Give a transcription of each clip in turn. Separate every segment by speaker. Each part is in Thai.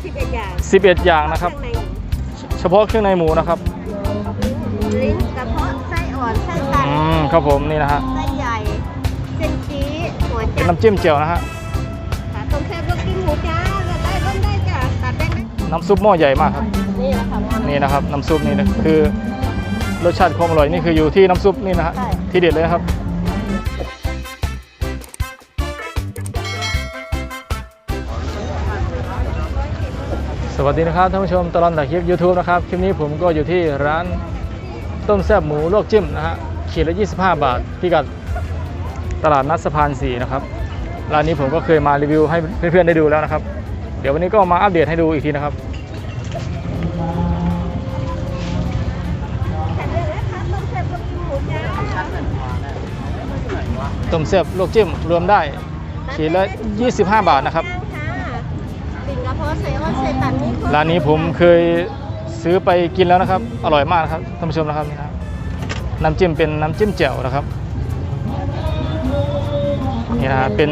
Speaker 1: 11 อย่าง
Speaker 2: 11 อย่างนะครับเฉพาะเครื่องในหมูนะครับ
Speaker 1: ลิ้นกระเพาะไส้อ่อนไส้ตัน
Speaker 2: ครับผมนี่นะฮะ
Speaker 1: ไส้ใหญ่เส้นจี๊หัวใจ
Speaker 2: น้ำจิ้มเจียวนะฮะ
Speaker 1: ต้มแซ่บลูกกิ้งหมูจ้าได้ร่มได้จ้ะตัดได้ไหม
Speaker 2: น้ำซุปหม้อใหญ่มากครับ
Speaker 1: นี่แหละค่ะ
Speaker 2: นี่นะครับน้ำซุปนี่นะคือรสชาติความอร่อยนี่คืออยู่ที่น้ำซุปนี่นะฮะที่เด็ดเลยนะครับสวัสดีนะครับท่านผู้ชมตลอดถ่ายคลิป YouTube นะครับคลิปนี้ผมก็อยู่ที่ร้านต้มแซ่บหมูลวกจิ้มนะฮะขีดละ25 บาทพิกัดตลาดนัดสะพาน4นะครับร้านนี้ผมก็เคยมารีวิวให้เพื่อนๆได้ดูแล้วนะครับเดี๋ยววันนี้ก็มาอัปเดตให้ดูอีกทีนะครับต้มแซ่บลวกจิ้มรวมได้ขีดละ25 บาทนะครับร้านนี้ผมเคยซื้อไปกินแล้วนะครับอร่อยมากนะครับท่านผู้ชมนะครับนี่นะน้ำจิ้มเป็นน้ำจิ้มแจ่วนะครับนี่นะเป็น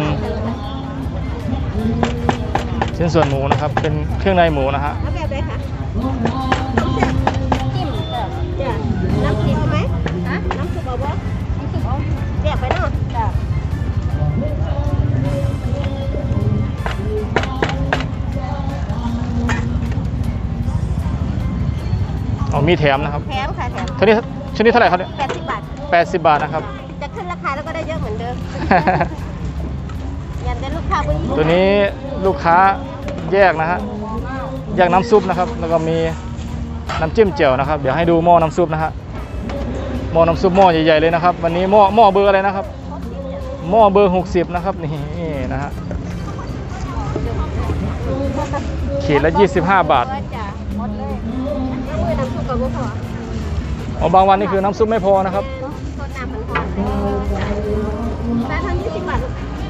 Speaker 2: ชิ้นส่วนหมูนะครับเป็นเครื่องในหมูนะฮะ
Speaker 1: แบบไหนคะจิ้มจ้ะน้ำจิ้มไหมน้ำซุปเอาบ่น้ำซุปเอาแยกไปเนาะจ้ะ
Speaker 2: มีแถมนะครับ
Speaker 1: แถมค่ะแถม
Speaker 2: ชุดนี้เท่าไหร่ครับเนี่ย
Speaker 1: 80 บาท
Speaker 2: 80 บาทนะครับ
Speaker 1: จะขึ้นราคาแล้วก็ได้เยอะเหมือนเดิมยันได้ลูกค้า
Speaker 2: ตัวนี้ลูกค้าแยกนะฮะแยกน้ำซุปนะครับแล้วก็มีน้ำจิ้มเจียวนะครับเดี๋ยวให้ดูหม้อน้ำซุปนะฮะหม้อน้ำซุปหม้อใหญ่ๆเลยนะครับวันนี้หม้อเบอร์อะไรนะครับหม้อเบอร์60นะครับนี่นะฮะขีดละ25 บาทบางวันนี่คือน้ำซุปไม่พอนะครับ
Speaker 1: ได้ทั้ง20 บาท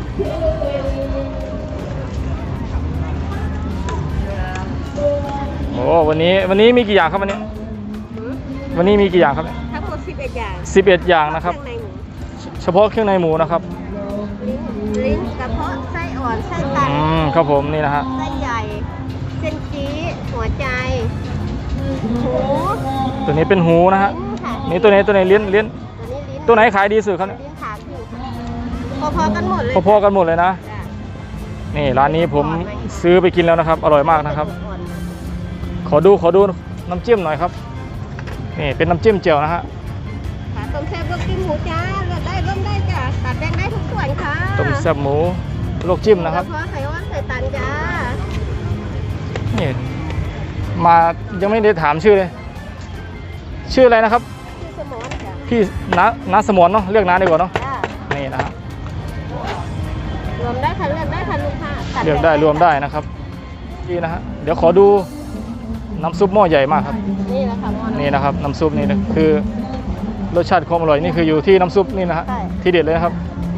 Speaker 2: โอ้วันนี้มีกี่อย่างครับวันนี้มีกี่อย่างครับ
Speaker 1: ทั้งหมด11 อย่าง
Speaker 2: 11 อย่างนะครับเฉพาะเครื่องในหมูนะครับ
Speaker 1: ลิ้นกระเพาะไส้อ่อนไส้ตัน
Speaker 2: ครับผมนี่นะฮะ
Speaker 1: ไส้ใหญ่เส้นจี๊หัวใจหู
Speaker 2: ตัวนี้เป็นหูนะฮะนี่ตัวไหนลิ้นตัวไหนขายดีสุดครับเนี่ย
Speaker 1: ลิ้นขาคือพอๆกันหมดเลย
Speaker 2: พอๆกันหมดเลยนะนี่ร้านนี้ผมซื้อไปกินแล้วนะครับอร่อยมากนะครับขอดูน้ำจิ้มหน่อยครับนี่เป็นน้ำจิ้มเจียวนะฮะ
Speaker 1: ต้มแซ่บลวกจิ้มหมูจ้าเลือกได้ร่มได้จ้ะตัดแบ่งได้ทุกส่วนค่ะ
Speaker 2: ต้มแซ่บหมูลวกจิ้มนะครับ
Speaker 1: เพราะไข่ว่านไข่ตันจ้า
Speaker 2: นี่มายังไม่ได้ถามชื่อเลยชื่ออะไรนะครับพี่น้าสมรเนาะเรียกน้าดีกว่าเนาะนี่นะฮะ
Speaker 1: รวมได้ค่ะเลือกได้ค่ะลูกค้า
Speaker 2: เลือกได้รวมได้นะครับนี่นะฮะเดี๋ยวขอดูน้ำซุปหม้อใหญ่มากครับนี่นะครับน้ำซุปนี่นะคือรสชาติความอร่อยนี่คืออยู่ที่น้ำซุปนี่นะฮะที่เด็ดเลยนะครับ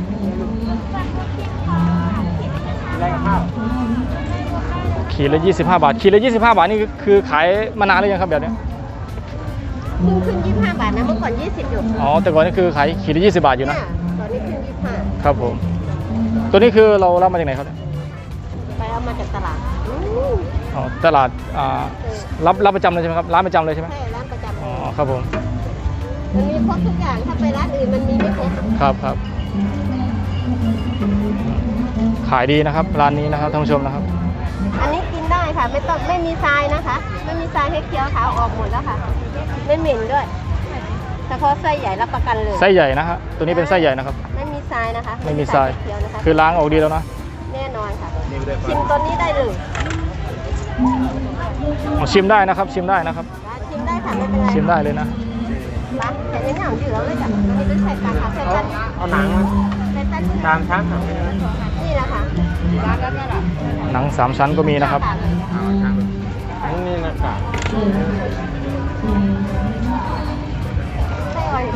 Speaker 2: ขีดละ25 บาทขีดละ25 บาทนี่คือขายมานานหรือยังครับแบบนี้
Speaker 1: ขึ้น25 บาทนะเมื่อก่อน20อยู่
Speaker 2: อ๋อแต่ก่อนนี่คือขายขีดละ20 บาทอยู่นะ
Speaker 1: ตอนนี้ขึ้น25
Speaker 2: ครับผมตัวนี้คือเรารับมาจากไหนครับ
Speaker 1: ไปเอามาจากตลาด
Speaker 2: อ๋อตลาดรับประจำเลยใช่ไหมครับร้านประจำเลยใช่ไหม
Speaker 1: ใช่ร้านประจำ
Speaker 2: อ๋อครับผม
Speaker 1: มันมีครบทุกอย่างถ้าไปร้านอื่นมันมีไม่ครบ
Speaker 2: ครับขายดีนะครับร้านนี้นะครับท่านผู้ชมนะครับ
Speaker 1: อันนี้กินได้ค่ะไม่มีทรายนะคะไม่มีทรายให้เคี้ยวขาวออกหมดแล้วค่ะไม่เหม็นด้วยเฉพาะไส้ใหญ่รับประกันเลย
Speaker 2: ไส้ใหญ่นะฮะตัวนี้เป็นไส้ใหญ่นะครับ
Speaker 1: ไม่มีทรายนะคะ
Speaker 2: ไม่มีทรายคือล้างออกดีแล้วนะ
Speaker 1: แน่นอนค่ะชิมตัวนี้ได้เลย
Speaker 2: ชิมได้นะครับชิมได้นะครับ
Speaker 1: ชิมได้ค่ะไม่เป็นไร
Speaker 2: ชิมได้เลยนะ
Speaker 1: แต่ในหนังอยู่แล้วเลยจ้ะนี่เป็นไข่ปลาค่ะไข่ปลา
Speaker 2: เอาหนัง3 ชั้น
Speaker 1: นี่แหละค่ะ
Speaker 2: หนัง3 ชั้นก็มีนะครับนี่นะครับ
Speaker 1: ไส้อ่อน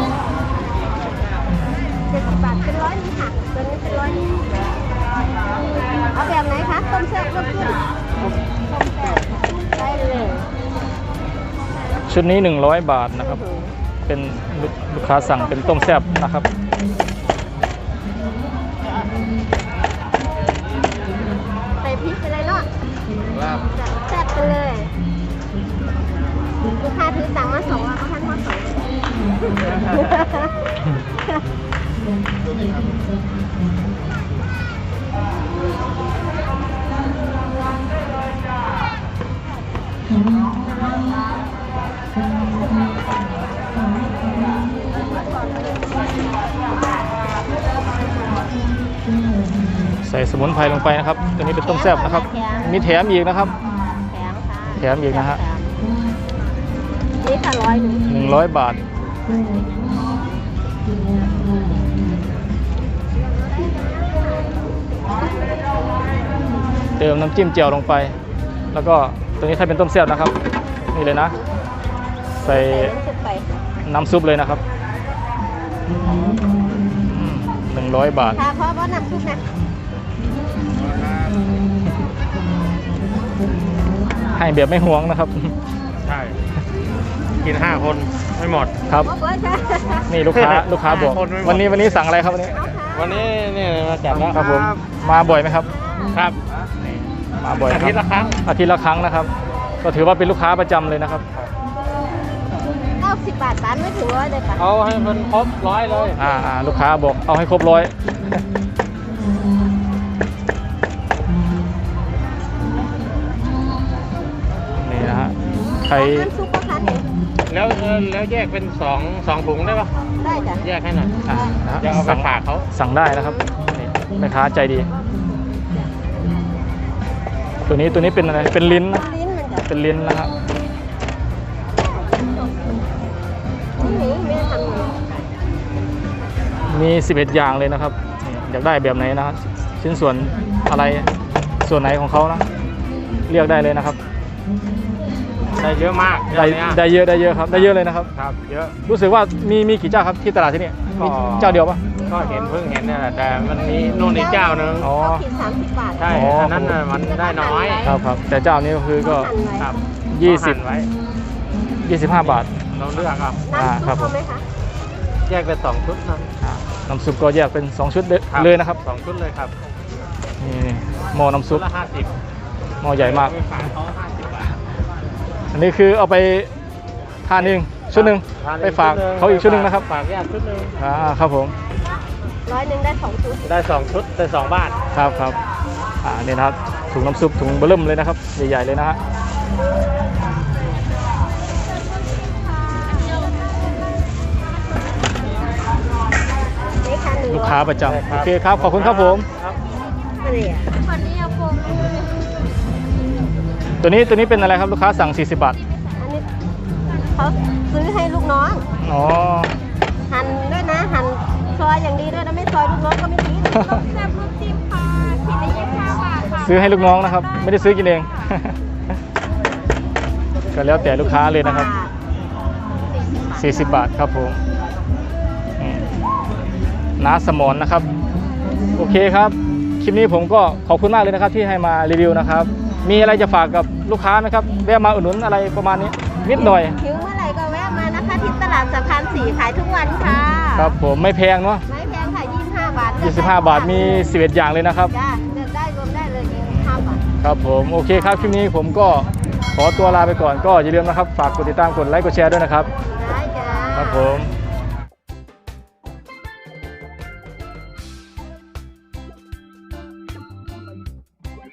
Speaker 1: 70 บาทเป็น100นี่ค่ะตัวนี้เป็น100นี่เอาแบบไหนคะต้มแซ่บลวกจิ้มได้เลย
Speaker 2: ชุดนี้100 บาทนะครับเป็นลูกค้าสั่งเป็นต้มแซ่บนะครับ
Speaker 1: ใส่พริกไปเลยเนาะ
Speaker 2: ใส่สมุนไพรลงไปนะครับตัวนี้เป็นต้มแซ่บนะครับมีแถมอีกนะครับ
Speaker 1: แถมค่ะ
Speaker 2: แถมอีกนะฮะ
Speaker 1: นี่ค่ะ100
Speaker 2: 100 บาทเติมน้ำจิ้มเจียวลงไป แล้วก็ตัวนี้ถ้าเป็นต้มแซ่บนะครับนี่เลยนะใส่
Speaker 1: สุกไป
Speaker 2: น้ำซุปเลยนะครับ100 บาท
Speaker 1: ค่ะเพราะว่าน้ำซุปนะ
Speaker 2: ให้แบบไม่ห่วงนะครับ
Speaker 3: ใช่ กิน5 คนไม่หมด
Speaker 2: ครับ
Speaker 1: บอกเลยค่ะ
Speaker 2: นี่ลูกค้าบอก
Speaker 3: คนไม่หมด
Speaker 2: วันนี้สั่งอะไรครับวันนี้
Speaker 3: วันนี้นี่มาจัดแล้ว
Speaker 2: ครับผมมาบ่อยไหมครับ
Speaker 3: ครับ
Speaker 2: มาบ่อย
Speaker 3: อา
Speaker 2: ครั
Speaker 3: ทิตย์ละครั้ง
Speaker 2: อาทิตย์ละครั้งนะครับ ก็ถือว่าเป็นลูกค้าประจำเลยนะครับ
Speaker 1: 90 บาทร้านไม่ถึง100เลยค่ะ
Speaker 3: เอาให้มันครบ100เลย
Speaker 2: ลูกค้าบอกเอาให้ครบ100นี่นะฮะใคร
Speaker 1: น้ำซุปก็ค่ะเนี่ย
Speaker 3: แล้วแยกเป็น2ถุงได้ปะ
Speaker 1: ได้จ้ะ
Speaker 3: แยกให้หน่อย
Speaker 2: นะฮะ
Speaker 3: เดี๋ยวเอาไปฝากเขา
Speaker 2: สั่งได้นะครับนี่แม่ค้าใจดี ตัวนี้เป็นอะไรเป็นลิ้นนะ
Speaker 1: ลิ้นมันจะ
Speaker 2: เป็นลิ้นนะครับ
Speaker 1: นี่ไม่ได้ทำเลย
Speaker 2: มี11อย่างเลยนะครับนี่อยากได้แบบไหนนะครับชิ้นส่วนอะไรส่วนไหนของเขานะเรียกได้เลยนะครับ
Speaker 3: ได้เยอะมาก
Speaker 2: ได้เยอะครับได้เยอะเลยนะครับ
Speaker 3: ครับ เยอะ
Speaker 2: รู้สึกว่ามีกี่เจ้าครับที่ตลาดที่นี่
Speaker 3: ก็
Speaker 2: มีเจ้าเดียวปะ
Speaker 3: ก็เพิ่งเห็นเนี่ยแหละแต่มันมีนู่นอีกเจ้านึง
Speaker 2: อ๋อ
Speaker 1: เขาขีด30 บาท
Speaker 3: ใช่
Speaker 2: อ๋ออั
Speaker 3: อันนั้นน่ะมันได้น้อย
Speaker 2: ครับแต่เจ้านี้ก็คือก็
Speaker 1: หั่นไว้
Speaker 3: ครับ
Speaker 2: 20
Speaker 3: หั่นไว้
Speaker 2: 25 บาท
Speaker 3: เราเลือกเอา
Speaker 1: น้ำ
Speaker 2: ครับผม
Speaker 1: ซุปเอาไหมคะ
Speaker 3: แยกเป็น2 ชุดนะ
Speaker 2: น้ำซุปก็แยกเป็น2 ชุด
Speaker 3: ครับ
Speaker 2: เลยนะครับ
Speaker 3: 2 ชุดเลยครับ
Speaker 2: นี่หม้อน้ำซุ
Speaker 3: ชุ
Speaker 2: ป
Speaker 3: ดละ50
Speaker 2: หม้อใหญ่มาก
Speaker 3: ไปฝากเขา50 บาท
Speaker 2: อันนี้คือเอาไปทานเองชุดหนึ่ง
Speaker 3: ทน
Speaker 2: ไปฝากเขาอีกชุดหนึ่งนะครับ
Speaker 3: ฝากแยกชุดหนึ่ง
Speaker 2: ครับผม
Speaker 1: 100ได้2 ชุด
Speaker 3: ได้2 ชุดได้2 บาท
Speaker 2: ครับนี่นะครับถุงน้ำซุปถุงเบอร์เริ่มเลยนะครับใหญ่ๆเลยนะฮะ
Speaker 1: นี่ค่ะ100
Speaker 2: ลูกค้าประจำ
Speaker 3: ได้ครับ
Speaker 2: โอเคครับขอบคุณครับผม
Speaker 3: ครับ
Speaker 1: อะไรอ่ะคนนี้เอาโฟม
Speaker 2: ตัวนี้เป็นอะไรครับลูกค้าสั่ง40 บาท
Speaker 1: อันนี้เขาซื้อให้ลูกน้อง
Speaker 2: อ๋อ
Speaker 1: หั่นด้วยนะ หั่นซอยอย่างดีด้วยนะไม่ซอยลูกน้องก็ไม่ทิ้งแซ่บลูกจิ้มค่ะขีดละ25 บาทค่ะ
Speaker 2: ซื้อให้ลูกน้องนะครับ ไม่ได้ซื้อกินเอง ก็แล้วแต่ลูกค้าเลยนะครับ40 บาทครับผมอืมน้าสมรนะครับ โอเคครับคลิปนี้ผมก็ขอบคุณมากเลยนะครับที่ให้มารีวิวนะครับ มีอะไรจะฝากกับลูกค้าไหมครับแวะมาอุดหนุนอะไรประมาณนี้นิดหน่อย
Speaker 1: หิวเมื่อไหร่ก็แวะมานะคะที่ตลาดสะพาน4ขายทุกวันค่ะ
Speaker 2: ครับผมไม่แพงเนาะ
Speaker 1: ไม่แพงค่ะ25 บาท
Speaker 2: 25 บาทมี11อย่างเลยนะครับ
Speaker 1: จ้าเลือกได้รวมได้เลย25 บาท
Speaker 2: ครับผมโอเคครับคลิปนี้ผมก็ขอตัวลาไปก่อนก็อย่าลืมนะครับฝากกดติดตามกดไลค์กดแชร์ด้วยนะครับ
Speaker 1: ได้จ้า
Speaker 2: ครับผม